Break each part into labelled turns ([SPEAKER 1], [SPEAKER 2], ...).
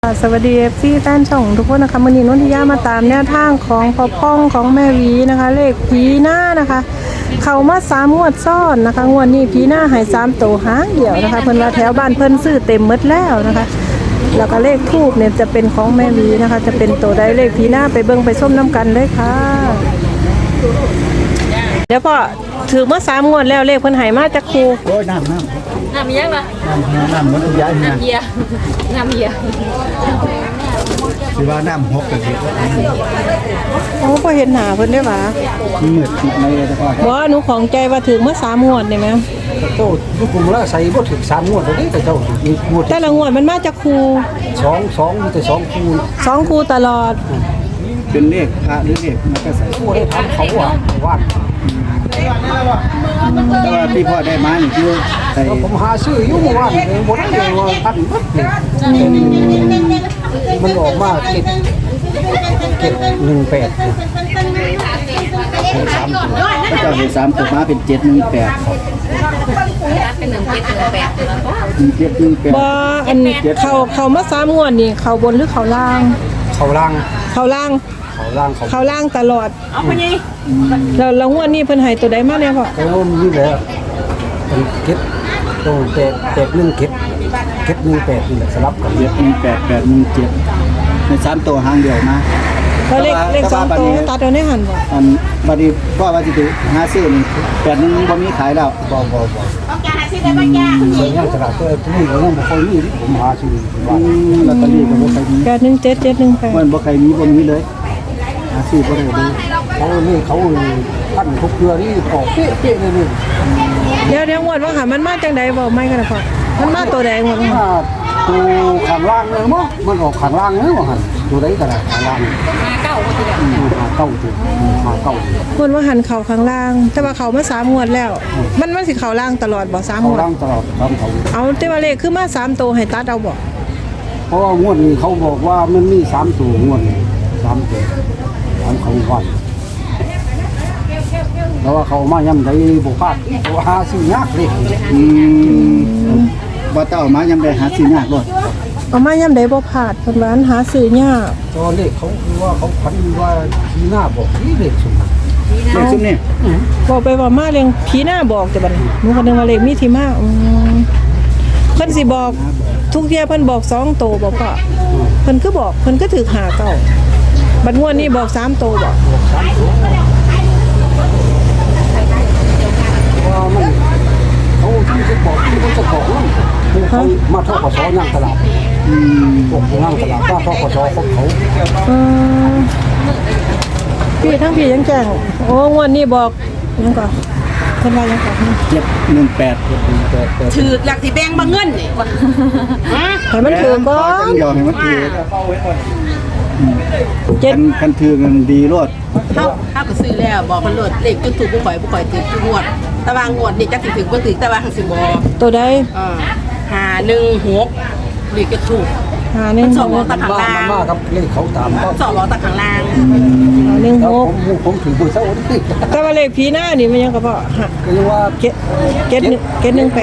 [SPEAKER 1] สวัสดีFCแฟนช่องทุกคนนะคะวันนี้นุ่นทิยามาตามแนวทางของพ่อพ่องของแม่วีนะคะเลขผีหน้านะคะเข้ามา3 งวดซ้อนนะคะงวดนี้ผีหน้าหาย3 ตัวหางเดียวนะคะเพิ่นว่าแถวบ้านเพิ่นซื้อเต็มหมดแล้วนะคะแล้วก็เลขทูบเนี่ยจะเป็นของแม่วีนะคะจะเป็นตัวใดเลขผีหน้าไปเบิ่งไปส้มน้ำกันเลยค่ะเดี๋ยวพ่อถือเมื่อ3 งวดแล้วเลขเพิ่นหายมาจากครู
[SPEAKER 2] โอ้ยน้ำ
[SPEAKER 3] น้ำยังล่ะ
[SPEAKER 2] เหมือนย้ายเนี่ย
[SPEAKER 3] น้ำเยียน้ำเยีย
[SPEAKER 2] สิว่าน้ำหกกระเทียม
[SPEAKER 1] โอ้พ่อเห็นหน้าเพิ่นได้หว่า
[SPEAKER 2] เหมือดติดในเลยแต่ก็
[SPEAKER 1] บ่หนูของใจว่าถือเมื่อ3 งวดได้ไหม
[SPEAKER 4] โตลูกกลุ่มละใส่บ่ถึง3 งวดตัวนี้แต่เจ้ามีงวด
[SPEAKER 1] แต่ละงวดมันมาจากครู
[SPEAKER 4] 2มีแต่2คูณ
[SPEAKER 1] 2 ครูตลอด
[SPEAKER 2] เป็นเลขพระหรือเลขมันก็ใส่
[SPEAKER 4] คู่ได้ทำเขาว่า
[SPEAKER 2] แต่ว่าที่พ่อได้มานี่คือใส่
[SPEAKER 4] ผมหาซื้ออยู่เมื่อวานเองบ่ได้เลยว่าพันบัดนี่มันออกมาเก็บ18
[SPEAKER 2] พระเจ้าเห็น3ตัวมาเป็น718
[SPEAKER 3] เป็น1 7 1 8แล้วก็
[SPEAKER 1] บ่อันเขามา3 งวดนี่เขาบนหรือเขาล่าง
[SPEAKER 4] เขาล่าง
[SPEAKER 1] เขาล่าง
[SPEAKER 4] เขา
[SPEAKER 1] เขาล่างตลอดแล้วงวดนี้เพิ่นให้ตัวใดมาเนี่ยพ่อ
[SPEAKER 4] ก็นี่แหละเป็นเก็บตรงแต่1เก็บ18นี่แหละสลับกัน
[SPEAKER 2] 718 817ใน3ตัวหางเดียวมา
[SPEAKER 1] แล้วเลข2ตัวตัดเอาในหันบ่
[SPEAKER 2] อันบัดนี้พ่อว่าสิหาซื้อนี่8นึงบ่มีขายแล้ว
[SPEAKER 4] บ่ส่วนย่างตลาดตัวนี้ก็ยังบ่ค่อยมีผมหาซื้อว่า
[SPEAKER 2] ลอตเตอรี่ก็บ่ค่อยมี
[SPEAKER 1] 817
[SPEAKER 2] มันบ่ใครมีบ่มีเลยหาซื้อบ่ได้เลย
[SPEAKER 4] เขาปั้นทุกเกลือนี่ออกเป๊ะๆเลยนี่
[SPEAKER 1] 1เดี๋ยวงวดว่าค่ะมันมาจังใดบ่ไม่กันนะพ่อมันมาตัวใดงวดว่า
[SPEAKER 4] ถ้าตัวข้างล่างเลยมั้งมันออกข้างล่างเลยว่าหั่นตัวใดก็ได้ข้างล่าง
[SPEAKER 3] มาเก้าก็คือแบบ
[SPEAKER 4] หาเก้าตัวหาเก้าง
[SPEAKER 1] วดว่าหันเขาข้างล่าง แต่ว่าเขามา3 งวดแล้ว มันสิเขาล่างตลอดบ่3 ง
[SPEAKER 4] เขา
[SPEAKER 1] วด
[SPEAKER 4] ล่างตลอดตามเขา
[SPEAKER 1] เอาแต่ว่าเลขคือมา3 ตัวให้ตัดเอาบ่
[SPEAKER 4] เพราะว่างวดนี้เขาบอกว่ามันมี3ตัวงวดนี้3ตัวตามเขาว่าแล้วว่าเขามาย่ำได้บ่พลาดเพราะว่าหาซื้อยากเลย
[SPEAKER 2] บ่ต้องเอามายามใดหาซื้อยากโลด
[SPEAKER 1] เอามายามใดบ่พลาดเพิ่นว่าหาซื้อยาก
[SPEAKER 4] ตอนเลขเขาคือว่าเขาพันว่าทีหน้าบอกที่เลขสุด
[SPEAKER 2] เลขซุมนี่
[SPEAKER 1] บอกไปว่ามาเรื่องผีหน้าบอกแต่บัดนี้หนูก็นึกว่าเลขมีที่มาเพิ่นสิบอกทุกเที่ยเพิ่นบอก2 ตัวบ่พ่อเพิ่นคือบอกเพิ่นก็ถูกหาเก้าบัดงวดนี้บอก3 ตัวบ่
[SPEAKER 4] ว่ามันเขาที่จะบอกที่มันจะบอกนั่นคือเขามาทกศย่างตลาดพวกย่างตลาดป้าทกศของเขา
[SPEAKER 1] พี่ทั้งพี่ยังแจ้งโอ้งวดนี้บอกยังก่อนเพิ่นว่ายังก่อน
[SPEAKER 2] 718
[SPEAKER 3] ถือหลักที่แบงค์บางเงินนี่
[SPEAKER 1] ให้มันถือก่อน
[SPEAKER 2] เดียวให้มันถือ
[SPEAKER 1] เจ็ด
[SPEAKER 2] คันถือกันดีโลด
[SPEAKER 5] เขาก็ซื้อแล้วบอกมันโหลดเลขจนถูกผู้ข่อยถือทุกงวดแต่ว่างวดนี่จักสิถึงบ่ถึงแต่ว่าหังสิบ่
[SPEAKER 1] ตัวใด
[SPEAKER 5] 516เลขจะถูก
[SPEAKER 1] หาหนึ่ง
[SPEAKER 5] มันส
[SPEAKER 1] ห
[SPEAKER 5] อง
[SPEAKER 1] ก
[SPEAKER 5] ตะข้างล่าง
[SPEAKER 4] มากครับเลขเขาตามก็
[SPEAKER 5] สองล้อตะข้างล่าง
[SPEAKER 1] หาหนึ่ง
[SPEAKER 4] แล้ว
[SPEAKER 1] หก
[SPEAKER 4] ผมถือมือเส้าที่
[SPEAKER 1] แต่ว่าเลขผีหน้านี่มันยังก็พอฮะ
[SPEAKER 4] ก็ยังว่า
[SPEAKER 1] เจ็ด1 8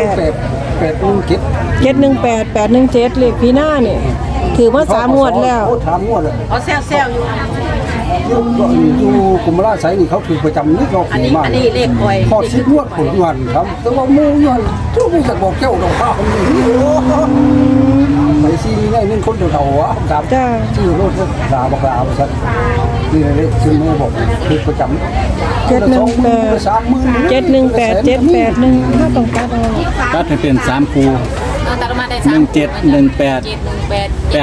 [SPEAKER 4] 8
[SPEAKER 1] 717เลขผีหน้านี่ถือมา3 งวดแล้ว
[SPEAKER 4] 3 งวดแล้ว
[SPEAKER 5] เอาแซวอยู่
[SPEAKER 4] อยู่กุมราชไสนี่เขาถือประจำนี่ก็ถือมาก
[SPEAKER 5] อันนี้เลขข่อย
[SPEAKER 4] พอ10 งวดผลงานครับแต่ว่ามูย้อนทุกผู้จะบอกเจ้าดอกข้าวนี่ไปซีนี่ได้เงินคนเดียวๆอ่ะครับ
[SPEAKER 1] จ้า
[SPEAKER 4] ชื่อรถดาบอกดาบริษัทนี่เลยซื้อมือบอกคือประจำ
[SPEAKER 1] 718 718 781ถ้าต้องตัดเอา
[SPEAKER 2] ตัดให้เป็น3คู่
[SPEAKER 3] ตัดมาได้
[SPEAKER 2] 1718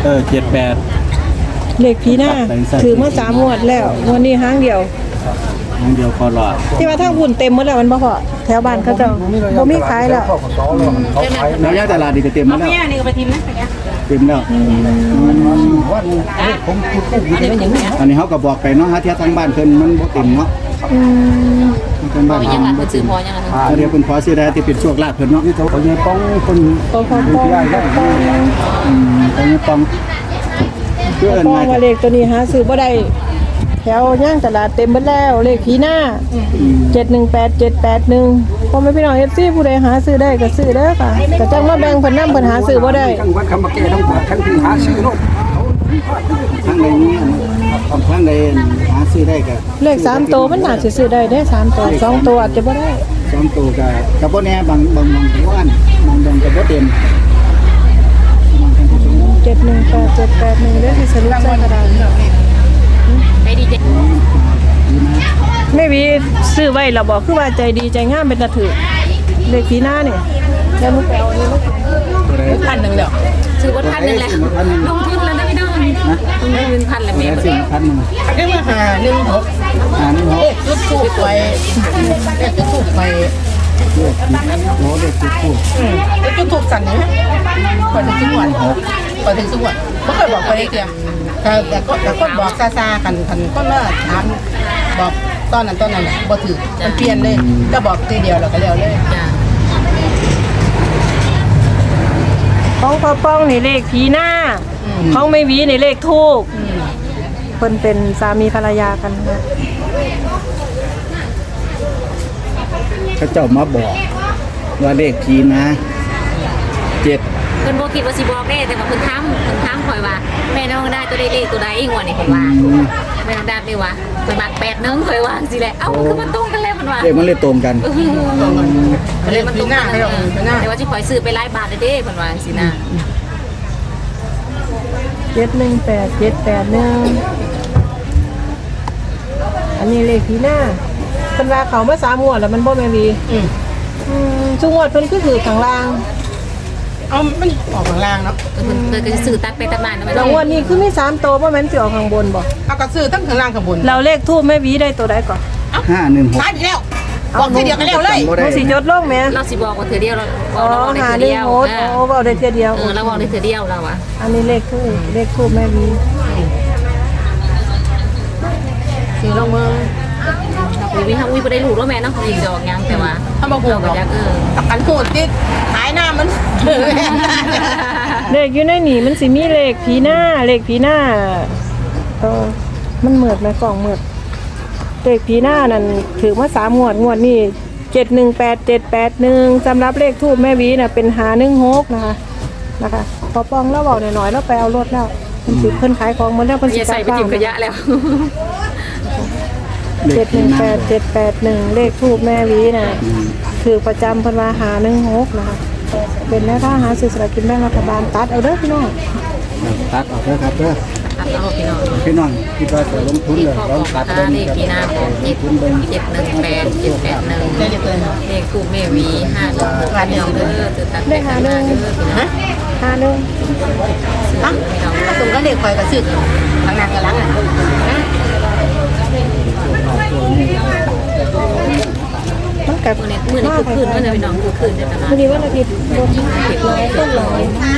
[SPEAKER 2] 78
[SPEAKER 1] เลขผีหน้าถือมา3 งวดแล้วงวดนี้หางเดียว
[SPEAKER 2] อย่างเดียวพอรอด
[SPEAKER 1] ที่ว่าทางพุ่นเต็มหมดแล้วมันบ่พอแถวบ้านเขาเจ้าบ่มีขายแล้ว
[SPEAKER 4] เขาขาย
[SPEAKER 2] แล้วย่างตลาดนี่ก็เต็ม
[SPEAKER 5] เอา
[SPEAKER 2] แล้ว
[SPEAKER 5] แม่นี่ก็ไปทิมนะเนี่ย
[SPEAKER 2] เต็มแล้ว
[SPEAKER 4] วันผมพูดพูด
[SPEAKER 5] อันนี้เป็นอย่างนี้
[SPEAKER 2] อันนี้เขาก็บอกไปเนาะฮะเที่ยทางบ้านเพิ่นมันบ่เต็มเนาะทาง
[SPEAKER 3] พ
[SPEAKER 2] บ้า
[SPEAKER 3] อน ยัง
[SPEAKER 2] เพิ่
[SPEAKER 3] อ่ะ
[SPEAKER 2] น
[SPEAKER 3] เพิ่นซื้อพอยังอ่ะ
[SPEAKER 2] เดี๋ยวเพิ่นขอซื้อได้ที่เป็นโชคลาภเพิ่นเนาะ
[SPEAKER 4] นี่เขาเนี่ยต้องคน
[SPEAKER 1] ปอ
[SPEAKER 4] ได้ได้
[SPEAKER 2] ตอนนี้ต้องเพื่อน
[SPEAKER 1] ปอ
[SPEAKER 2] มา
[SPEAKER 1] ว่าเลขตัวนี้หาซื้อบ่ได้แถวย่างตลาดเต็มหมดแล้วเลขผีหน้า718 781 พอไม่พี่น้อง FC ผู้ใดหาซื้อได้ก็ซื้อเด้อค่ะก็จังมาแบ่งเพิ่นนำเพิ่นหาซื้อบ่ได้
[SPEAKER 4] ทั้งวัดคำมาแก่ทั้งบาททั้งที่หาซื้อโน่น
[SPEAKER 2] ทางใดนี้ทางใดหาซื้อได้ก็
[SPEAKER 1] เลข3ตัวมันน่าสิซื้อได้เด้3ตัว2ตัวอาจจะบ่ได้
[SPEAKER 2] 2ตัวก็บ่แน่บางมองก็ว่านมองก็บ่เต็มมองท่านผู้ชม
[SPEAKER 1] 718781เด้อที่สรุปใส่กระดาษ
[SPEAKER 3] ไปดีเจ
[SPEAKER 1] แม่วีซื้อไว้แล้วบอกคือว่าใจดีใจงามเป็นตะถือเลขที่หน้านี่แล้วมึงไปเอาอันนี้มา
[SPEAKER 2] ตัวใด
[SPEAKER 5] 1,000แล้ว
[SPEAKER 3] ซื้อวัดพันหนึ่งแหละลงทุนแล้วนะพี่น้องลงทุน1,000แล้ว
[SPEAKER 2] แม่
[SPEAKER 3] แม่
[SPEAKER 2] สิพันนึง
[SPEAKER 5] ได้มาหา16
[SPEAKER 2] หานี่
[SPEAKER 5] เลขจุดทูบไปเลขจุดทูบไป
[SPEAKER 2] โอ้เด็กพูด
[SPEAKER 5] เลขจุดทูบสั่นนี่ก่อนถึงจังหวัดก่อนถึงจังหวัดบ่เคยบอกไปเลยเดียวแต่คนบอกซาๆกันคนมาถามบอกตอนนั้นน่ะบ่ถือมันเปลี่ยนเลยจะบอกทีเดียวแล้วก็แล้วเลย
[SPEAKER 3] จ้า
[SPEAKER 1] ของพ่อป้องนี่เลขผีหน้าของแม่วีนี่เลขทูกเพิ่นเป็นสามีภรรยากันนะ
[SPEAKER 2] เขาเจ้ามาบอกว่าเลขผีนะ7
[SPEAKER 3] เพิ่นบ่คิดว่าสิบอกได้แต่ว่าเพิ่นถามข่อยว่าแม่น้องได้ตัวใดเลขตัวใดงวดนี่เพิ่นว่าแม่น้องได้ได้ว่าเพิ่นมัก81ข่อยว่าสิแหละเอ้าคือมันตรงกันแล้วเพิ่นว่า
[SPEAKER 2] เลขมันเลยตรงกัน
[SPEAKER 3] เลยมันตรงกันแต่ว่าสิข่อยซื้อไปหลายบาทเด้เพิ่นว่าสินะ
[SPEAKER 1] 718781อันนี้เลขผีหน้าเพิ่นว่าเขามา3งวดแล้วมันบ่แม่วีซุงวดเพิ่นคือถือข้างล่าง
[SPEAKER 5] เอามันออกข้างล่างเนาะ
[SPEAKER 3] เพิ่นก็สิซื้อตัดไปตัดมาเนาะแม่
[SPEAKER 1] แล้วงวดนี้คือมี3ตัวบ่แม่นสิออกข้างบนบ่
[SPEAKER 5] เอากระซื้อทั้งข้างล่างข้างบน
[SPEAKER 1] เราเลขทูบแม่วีได้ตัวใดก่อน
[SPEAKER 2] 516
[SPEAKER 5] ตายไปแล้วบอกทีเดียวก็แล้วเลย
[SPEAKER 2] บ่
[SPEAKER 1] มั
[SPEAKER 2] ได้
[SPEAKER 1] นสิจดลงแม่
[SPEAKER 3] เราสิบอกว่าเธอเดียวเรา
[SPEAKER 1] อ๋อ
[SPEAKER 3] บอกได้
[SPEAKER 1] หา
[SPEAKER 3] เธอ
[SPEAKER 1] หนึ่ง
[SPEAKER 3] เดียว
[SPEAKER 1] โหดโอ้เอาได้เทียเดียว
[SPEAKER 3] เราบอกได้เธอเดียวเราอะ
[SPEAKER 1] อันนี้เลขทูบแม่วี
[SPEAKER 5] ซื้อลงมือ
[SPEAKER 3] วิทำวิไปได้รู้ว่าแม่เนาะยิงดอกยังแต่ว่า
[SPEAKER 5] ถ้ามาพูด
[SPEAKER 3] เราก็อยาก
[SPEAKER 5] ตักกันพูดติดหายหน้ามัน
[SPEAKER 1] เลขอยู่ในนี่มันสิมีเลขผีหน้ามันเหมือดไหมกล่องเหมือดเลขผีหน้านั่นถือมา3งวดนี่718781สำหรับเลขทูบแม่วีน่ะเป็น516นะคะพอปองแล้วบอกหน่อยๆแล้วไปเอารถแล้วเพิ่นขายของหมดแล้วเพิ่นสิ
[SPEAKER 3] อย่าใส่ไปจิ้มขยะแล้ว
[SPEAKER 1] 718781เลขทูบแม่วีน่ะคือประจำเพิ่นว่า516นะคะเป็นแม่ค้าหาซื้อสลากกินแบ่งรัฐบาลตัดเอาเด้อพี่น้อง
[SPEAKER 2] ตัดออกเด้อครับเด้อ
[SPEAKER 3] ตัดเอาพี่น้อง
[SPEAKER 2] พี่น้องคิดว่าจะลงทุนเลยลองตัด
[SPEAKER 3] เล
[SPEAKER 2] เบิ่ง
[SPEAKER 3] ขพี่นาของ718 781เลขคู่แม่วี5พี่น้องเด้อจะตัดไปหาเด้อพี่น้อง
[SPEAKER 1] 51
[SPEAKER 5] อ่ะตรงก็เด็กคอยกระซื้อทางนั้นกับหลัง
[SPEAKER 1] มันกับ
[SPEAKER 3] มื้อนี้คือคืนมื้อนี้พี่น้องคือคืนในตลาด
[SPEAKER 1] มื้อนี้วันอาทิตย์รถร้อยต้นร้อย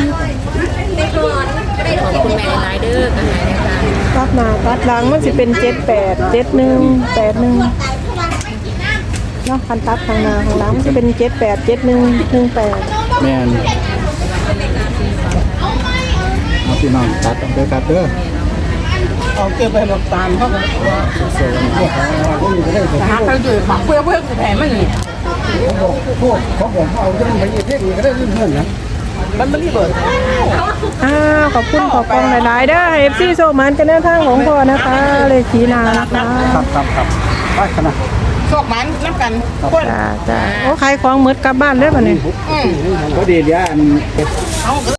[SPEAKER 3] ขอบคุณแม่หลายเด้อกันหลายนะคะ
[SPEAKER 1] ตัดหน้าตัดหลังมันสิเป็น78 71 81เนาะคันตัดข้างหน้าข้างหลังมันสิเป็น78 71 18
[SPEAKER 2] แม่นเอาพี่น้องตัดออกเด้อครับเด้อ
[SPEAKER 5] เอาเก็บไปหมดตามเขาก็
[SPEAKER 2] เสียวันนี้
[SPEAKER 5] หาเขาอยู่ฝักเพื่อแผลมันนี่
[SPEAKER 4] พวกเขาบอกเอาเรื่องไปเทศนี่ก็ได้เรื่องเงินนะ
[SPEAKER 5] มันไม่ได้เบิด
[SPEAKER 1] ขอบคุณขอบคุณหลายๆเด้อ FC โซมันกันแนวทางของพ่อนะคะเลขผีนานะคะ
[SPEAKER 4] ครับไปขนาด
[SPEAKER 5] โชคมันนับกันคน
[SPEAKER 1] จ้าโอ้ขายของหมดกลับบ้านเลยป่ะเนี่ย
[SPEAKER 2] พอดีเดี๋ยวอัน